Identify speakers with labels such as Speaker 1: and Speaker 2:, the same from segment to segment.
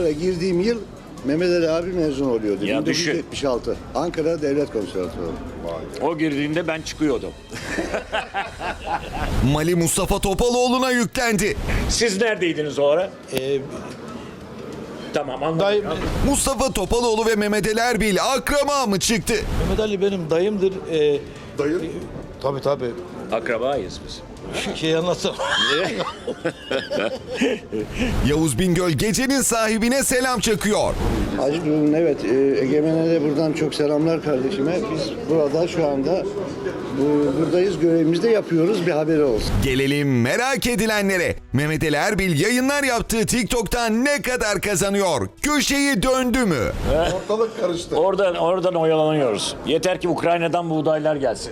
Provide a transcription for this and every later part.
Speaker 1: Ankara girdiğim yıl Mehmet Ali abi mezun oluyordu.
Speaker 2: Ya düşün.
Speaker 1: 1976. Ankara Devlet Konservatuvarı.
Speaker 2: O girdiğinde ben çıkıyordum.
Speaker 3: Mali Mustafa Topaloğlu'na yüklendi.
Speaker 2: Siz neredeydiniz o ara? Tamam anladım.
Speaker 3: Mustafa Topaloğlu ve Mehmet Ali Erbil akraba mı çıktı?
Speaker 4: Mehmet Ali benim dayımdır.
Speaker 1: Dayın?
Speaker 4: Tabii.
Speaker 2: Akrabayız biz.
Speaker 4: Şey anlatsam.
Speaker 3: Yavuz Bingöl gecenin sahibine selam çakıyor.
Speaker 1: Hacı Durun, evet. Egemen'e de buradan çok selamlar kardeşime. Biz burada şu anda buradayız. Görevimizi de yapıyoruz. Bir haberi olsun.
Speaker 3: Gelelim merak edilenlere. Mehmet Ali Erbil yayınlar yaptığı TikTok'tan ne kadar kazanıyor? Köşeyi döndü mü?
Speaker 1: Ortalık karıştı.
Speaker 2: Oradan oyalanıyoruz. Yeter ki Ukrayna'dan buğdaylar gelsin.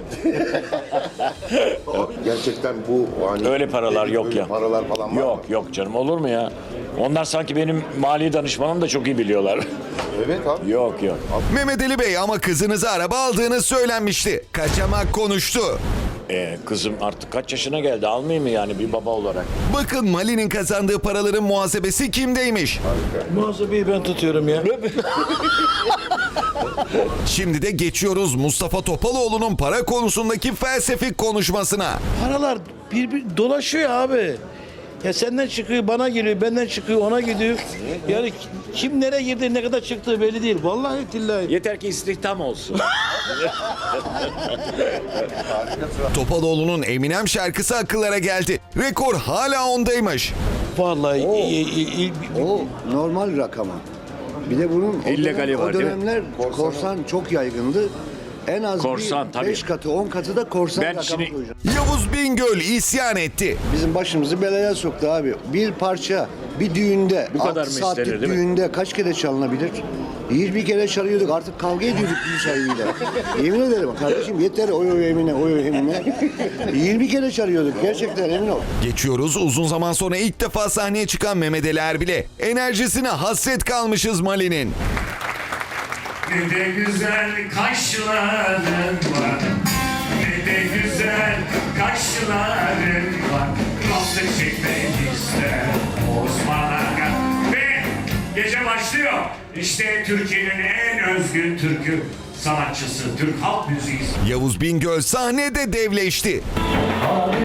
Speaker 5: Gerçekten bu hani
Speaker 2: Öyle paralar yok
Speaker 5: böyle
Speaker 2: ya.
Speaker 5: Paralar falan var mı?
Speaker 2: Yok canım, olur mu ya? Onlar sanki benim mali danışmanım da çok iyi biliyorlar.
Speaker 5: Evet abi.
Speaker 2: Yok.
Speaker 3: Mehmet Ali Bey ama kızınıza araba aldığını söylenmişti. Kaçamak konuştu.
Speaker 2: Kızım artık kaç yaşına geldi, almayayım mı yani bir baba olarak?
Speaker 3: Bakın Mali'nin kazandığı paraların muhasebesi kimdeymiş?
Speaker 4: Muhasebeyi ben tutuyorum ya.
Speaker 3: Şimdi de geçiyoruz Mustafa Topaloğlu'nun para konusundaki felsefik konuşmasına.
Speaker 4: Paralar bir dolaşıyor abi. Ya senden çıkıyor bana geliyor, benden çıkıyor ona gidiyor. Yani kim nereye girdi, ne kadar çıktığı belli değil. Vallahi tillahi.
Speaker 2: Yeter ki istihdam olsun.
Speaker 3: Topaloğlu'nun Eminem şarkısı akıllara geldi. Rekor hala ondaymış.
Speaker 4: Vallahi
Speaker 1: O normal rakama. Bir de bunun
Speaker 2: İllegali var,
Speaker 1: o
Speaker 2: değil mi?
Speaker 1: dönemler korsan çok yaygındı. En az
Speaker 2: Korsan, tabii.
Speaker 1: 5 katı 10 katı da korsan
Speaker 2: Ben
Speaker 1: rakamı
Speaker 2: şimdi-
Speaker 1: koyacağım.
Speaker 3: Yavuz Bingöl isyan etti.
Speaker 1: Bizim başımızı belaya soktu abi. Bir parça bir düğünde,
Speaker 2: Bu kadar
Speaker 1: 6
Speaker 2: mı
Speaker 1: saatlik
Speaker 2: istenir, değil mi?
Speaker 1: düğünde kaç kere çalınabilir? 20 kere çalıyorduk, artık kavga ediyorduk düğün sahibiyle. Yemin ederim kardeşim, yeter oy Emine, oy Emine. 20 kere çalıyorduk gerçekten, emin ol.
Speaker 3: Geçiyoruz uzun zaman sonra ilk defa sahneye çıkan Mehmet Ali Erbil'e. Enerjisine hasret kalmışız Mali'nin.
Speaker 6: Ne de güzel kaşların var, ne de güzel kaşların var. Nasıl çekmek ister Osman Aga. Ve gece başlıyor. İşte Türkiye'nin en özgün türkü sanatçısı, Türk halk müziği.
Speaker 3: Yavuz Bingöl sahnede devleşti.